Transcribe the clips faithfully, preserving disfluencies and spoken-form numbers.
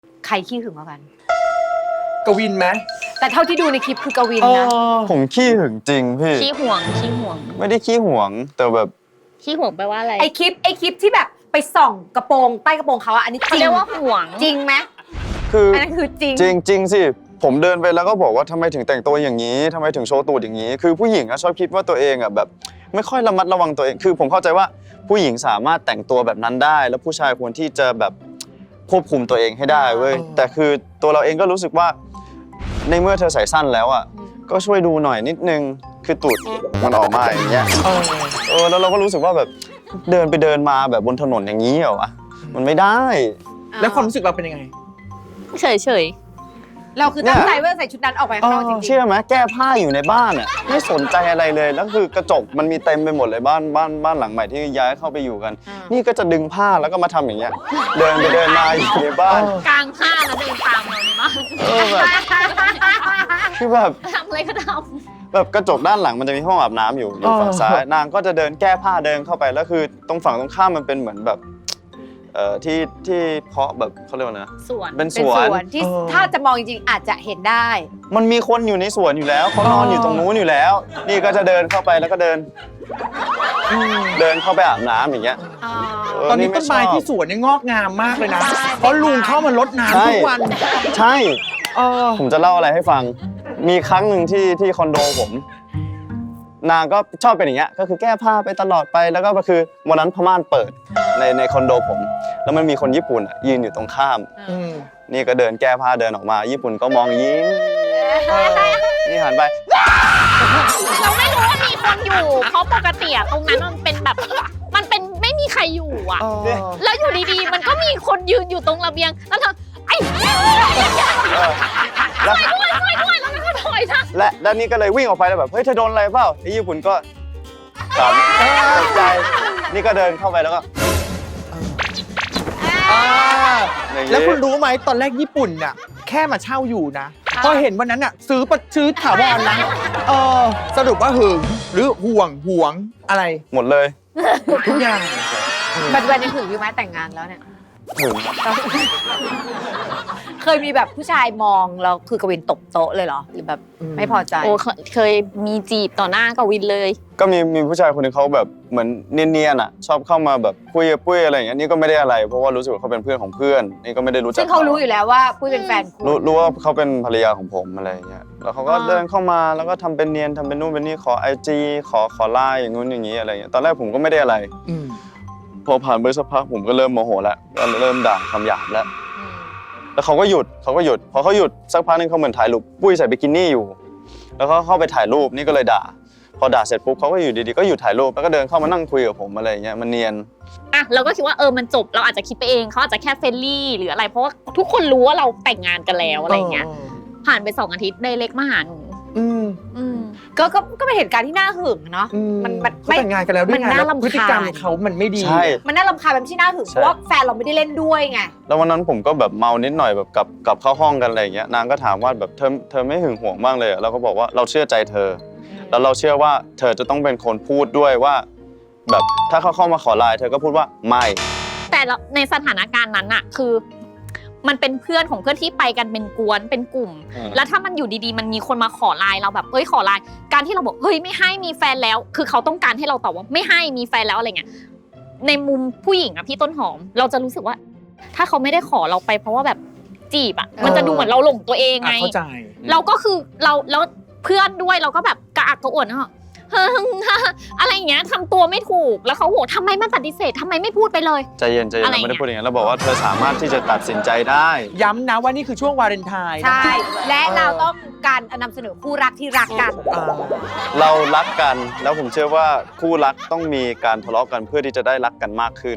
ใครขี้หึงกว่ากันกวินไหมแต่เท่าที่ดูในคลิปคือกวินนะผมขี้หึงจริงพี่ขี้ห่วงขี้ห่วงไม่ได้ขี้ห่วงแต่แบบขี้ห่วงแปลว่าอะไรไอคลิปไอคลิปที่แบบไปส่องกระโปรงใต้กระโปรงเขาอะอันนี้เขาเรียกว่าห่วงจริงไหมคืออันนั้นคือจริงจริงจริงสิผมเดินไปแล้วก็บอกว่าทำไมถึงแต่งตัวอย่างนี้ทำไมถึงโชว์ตูดอย่างนี้คือผู้หญิงอะชอบคิดว่าตัวเองอะแบบไม่ค่อยระมัดระวังตัวเองคือผมเข้าใจว่าผู้หญิงสามารถแต่งตัวแบบนั้นได้แล้วผู้ชายควรที่จะแบบควบคุมตัวเองให้ได้เว้ยแต่คือตัวเราเองก็รู้สึกว่าในเมื่อเธอใส่สั้นแล้วอ่ะก็ช่วยดูหน่อยนิดนึงคือตูดมันออกมาอย่างเงี้ยเออแล้วเราก็รู้สึกว่าแบบเดินไปเดินมาแบบบนถนนอย่างนี้เหรอวะมันไม่ได้แล้วความรู้สึกเราเป็นยังไงเฉยเฉยเราคือตั้งใจว่าใส่ชุดนั้นออกไปข้างนอกจริงๆเชื่อไหมแก้ผ้าอยู่ในบ้านอ่ะไม่สนใจอะไรเลยแล้วคือกระจกมันมีเต็มไปหมดเลยบ้านบ้านบ้านหลังใหม่ที่ย้ายเข้าไปอยู่กันนี่ก็จะดึงผ้าแล้วก็มาทำอย่างเงี้ยเดินไปเดินมาอยู่ในบ้านกลางผ้าแล้วเดินตามเราในบ้านเออแบบคือแบบทำอะไรก็ทำแบบกระจกด้านหลังมันจะมีห้องอาบน้ำอยู่อยู่ฝั่งซ้ายนางก็จะเดินแก้ผ้าเดินเข้าไปแล้วคือตรงฝั่งตรงข้ามมันเป็นเหมือนแบบเอ่อที่ที่เพาะแบบเขาเรียกว่านะสวนเป็นสวนที่ถ้าจะมองจริงๆอาจจะเห็นได้มันมีคนอยู่ในสวนอยู่แล้วเขานอนอยู่ตรงนู้นอยู่แล้วนี่ก็จะเดินเข้าไปแล้วก็เดินเดินเข้าไปอาบน้ำอย่างเงี้ยตอนนี้ต้นไม้ที่สวนเนี่ยงอกงามมากเลยนะเพราะลุงเข้ามารดน้ำทุกวันใช่ผมจะเล่าอะไรให้ฟังมีครั้งหนึ่งที่ที่คอนโดผมนางก็ชอบเป็นอย่างเงี้ยก็คือแก้ผ้าไปตลอดไปแล้วก็คือวันนั้นพม่านเปิดในในคอนโดผมแล้วมันมีคนญี่ปุ่นยืนอยู่ตรงข้ามนี่ก็เดินแก้ผ้าเดินออกมาญี่ปุ่นก็มองยิ้มนี่หันไปเราไม่รู้ว่ามีคนอยู่เพราะปกติตรงนั้นมันเป็นแบบมันเป็นไม่มีใครอยู่อ่ะแล้วอยู่ดีๆมันก็มีคนยืนอยู่ตรงระเบียงแล้วเธอไอ้ช่วยด้วยช่วยด้วยแล้วมันก็ถอยนะและด้านนี้ก็เลยวิ่งออกไปแล้วแบบเฮ้ยเธอโดนอะไรเปล่าไอ้ญี่ปุ่นก็ขำตกใจนี่ก็เดินเข้าไปแล้วก็แล้วคุณรู้ไหมตอนแรกญี่ปุ่นน่ะแค่มาเช่าอยู่นะพอเห็นวันนั้นน่ะซื้อประซื้อถาวรนะเออสรุปว่าหึงหรือห่วงห่วงอะไรหมดเลยทุกอย่างปัจจุบันยังหึงอยู่ไหมแต่งงานแล้วเนี่ยหึงเคยมีแบบผู้ชายมองแล้วคือกวินตบโต๊ะเลยเหรอหรือแบบไม่พอใจโอ้เคยมีจีบต่อหน้ากวินเลยก็มีมีผู้ชายคนนึงเขาแบบเหมือนเนียนๆอ่ะชอบเข้ามาแบบคุยปุ้ยอะไรอย่างเงี้ยนี่ก็ไม่ได้อะไรเพราะว่ารู้สึกว่าเขาเป็นเพื่อนของเพื่อนนี่ก็ไม่ได้รู้จักซึ่งเขารู้อยู่แล้วว่าปุ้ยเป็นแฟนคุณรู้รู้ว่าเขาเป็นภรรยาของผมอะไรอย่างเงี้ยแล้วเขาก็เดินเข้ามาแล้วก็ทำเป็นเนียนทำเป็นนู่นเป็นนี่ขอไอจีขอขอไลน์อย่างนู้นอย่างงี้อะไรอย่างเงี้ยตอนแรกผมก็ไม่ได้อะไรพอผ่านไปสักพักผมก็เริ่มโมโหแล้วก็เริ่มด่าคำหยาบแล้วแล้วเขาก็หยุดเขาก็หยุดพอเขาหยุดสักพักนึงเขาเหมือนถ่ายรูปปุ้ยใส่บิกินี่อยู่แล้วเขาเข้าไปถ่ายรูปนี่ก็เลยด่าพอด่าเสร็จปุ๊บเขาก็อยู่ดีๆก็หยุดถ่ายรูปแล้วก็เดินเข้ามานั่งคุยกับผมอะไรอย่างเงี้ยมันเนียนอ่ะเราก็คิดว่าเออมันจบเราอาจจะคิดไปเองเขาอาจจะแค่เฟรนลี่หรืออะไรเพราะว่าทุกคนรู้ว่าเราแต่งงานกันแล้วอะไรเงี้ยผ่านไปสองอาทิตย์ไดเรกมาหาหนูอืมอืมก็ก็ก็เป็นเหตุการณ์ที่น่าหึงเนาะมันมันแต่งงานกันแล้วด้วยไงแล้วพฤติกรรมเขามันไม่ดีมันน่ารำคาญแบบที่น่าหึงเพราะว่าแฟนเราไม่ได้เล่นด้วยไงแล้ววันนั้นผมก็แบบเมานิดหน่อยแบบกลับกลับเข้าห้องกันอะไรอย่างเงี้ยนางก็ถามว่าแบบเธอเธอไม่หึงหวงบ้างเลยเราก็บอกว่าเราเชื่อใจเธอแล้วเราเชื่อว่าเธอจะต้องเป็นคนพูดด้วยว่าแบบถ้าเขาเข้ามาขอไลน์เธอก็พูดว่าไม่แต่ในสถานการณ์นั้นอะคือมันเป็นเพื่อนของเพื่อนที่ไปกันเป็นกวนเป็นกลุ่มแล้วถ้ามันอยู่ดีๆมันมีคนมาขอไลน์เราแบบเฮ้ยขอไลน์การที่เราบอกเฮ้ยไม่ให้มีแฟนแล้วคือเขาต้องการให้เราตอบว่าไม่ให้มีแฟนแล้วอะไรเงี้ยในมุมผู้หญิงอะพี่ต้นหอมเราจะรู้สึกว่าถ้าเขาไม่ได้ขอเราไปเพราะว่าแบบจีบอะมันจะดูเหมือนเราหลงตัวเองไงเราก็คือเราแล้วเพื่อนด้วยเราก็แบบกระอักกระอ่วนเนาะอะไรอย่างเงี้ยทำตัวไม่ถูกแล้วเขาโหทำไมไม่ปฏิเสธทำไมไม่พูดไปเลยใจเย็นใจเย็นเราไม่ได้พูดอย่างนั้นเราบอกว่าเธอสามารถที่จะตัดสินใจได้ย้ำนะว่านี่คือช่วงวาเลนไทน์ใช่และเราต้องการนำเสนอคู่รักที่รักกันเรารักกันแล้วผมเชื่อว่าคู่รักต้องมีการทะเลาะกันเพื่อที่จะได้รักกันมากขึ้น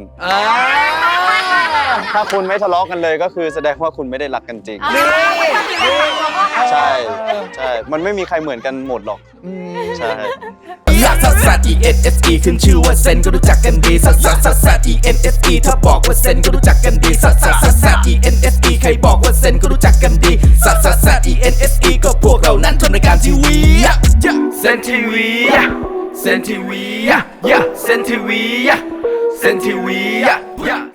ถ้าคุณไม่ทะเลาะกันเลยก็คือแสดงว่าคุณไม่ได้รักกันจริงใช่ใช่มันไม่มีใครเหมือนกันหมดหรอกใช่ลักซัสซัส E N S E ขึ้นชื่อว่าเซนก็รู้จักกันดีซัสซัสซัสซัส E N S E ถ้าบอกว่าเซนก็รู้จักกันดีซัสซัสซัสซัส E N S E ใครบอกว่าเซนก็รู้จักกันดีซัสซัสซัส E N S E ก็พวกเรานั้นทำรายการทีวีเซนทีวีเซนทีวีเซนทีวีเซนทีวี